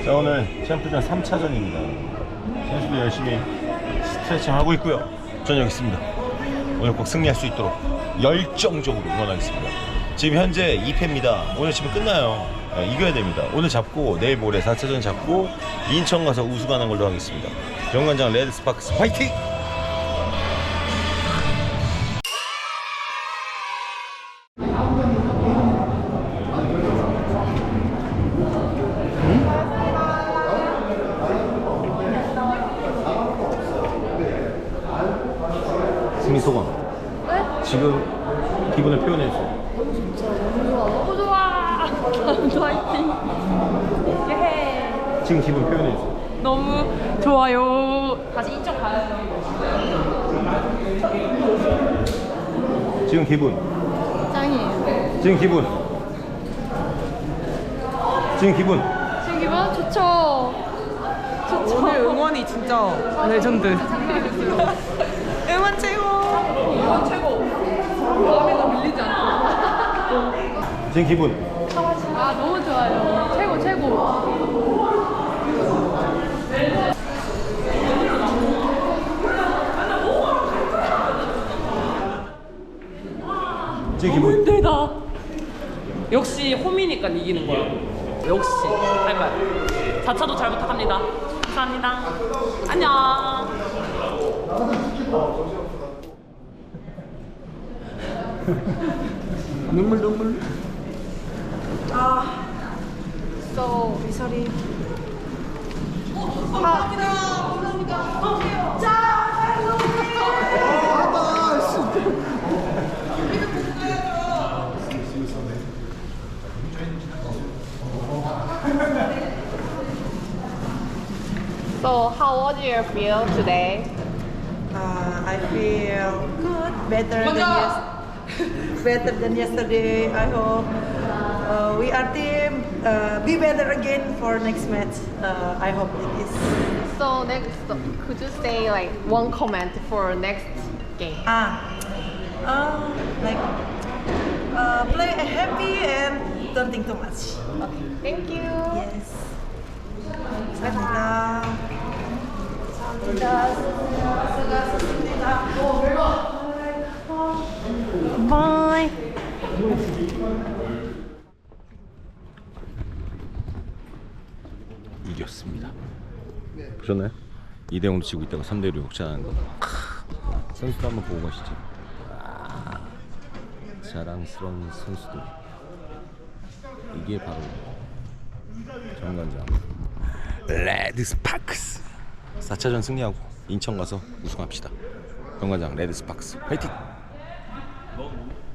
자, 오늘 챔프전 3차전입니다. 선수들 열심히 스트레칭 하고 있고요. 저는 여기 있습니다. 오늘 꼭 승리할 수 있도록 열정적으로 응원하겠습니다. 지금 현재 2패입니다. 오늘 지금 끝나요. 이겨야 됩니다. 오늘 잡고 내일 모레 4차전 잡고 인천 가서 우승하는 걸로 하겠습니다. 병관장 레드스파크스 화이팅! 승리 소감. 네? 지금 기분을 표현해주세요. 너무 좋아. 화이팅. 예. 지금 기분 표현해주세요. 너무 좋아요. 다시 인천 가요. 지금 기분. 짱이에요. 지금 기분. 지금 기분. 지금 기분 좋죠. 좋죠. 오늘 응원이 진짜 레전드. 응원 최고. 이건 최고. 마음에도 밀리지 않고. 지금 기분. 아 너무 좋아요. 최고 최고. 지금 기분. 힘들다. 역시 홈이니까 이기는 거야. 역시 할 거야. 4차도 잘 부탁합니다. 감사합니다. 안녕. 눈물. So sorry. So how do you feel today? I feel good, better than yesterday. I hope we are team be better again for next match. I hope it is. So next, could you say like one comment for next game? Play happy and don't think too much. Okay, thank you. Yes. 감사합니다. Bye. 이겼습니다. 보셨나요? 2대0로 지고 있다가 3대1로 역전하는 거. 선수도 한번 보고 가시죠. 자랑스러운 선수들. 이게 바로 정관장 레드스파크스. 4차전 승리하고 인천 가서 우승합시다. 정관장 레드스파크스 화이팅!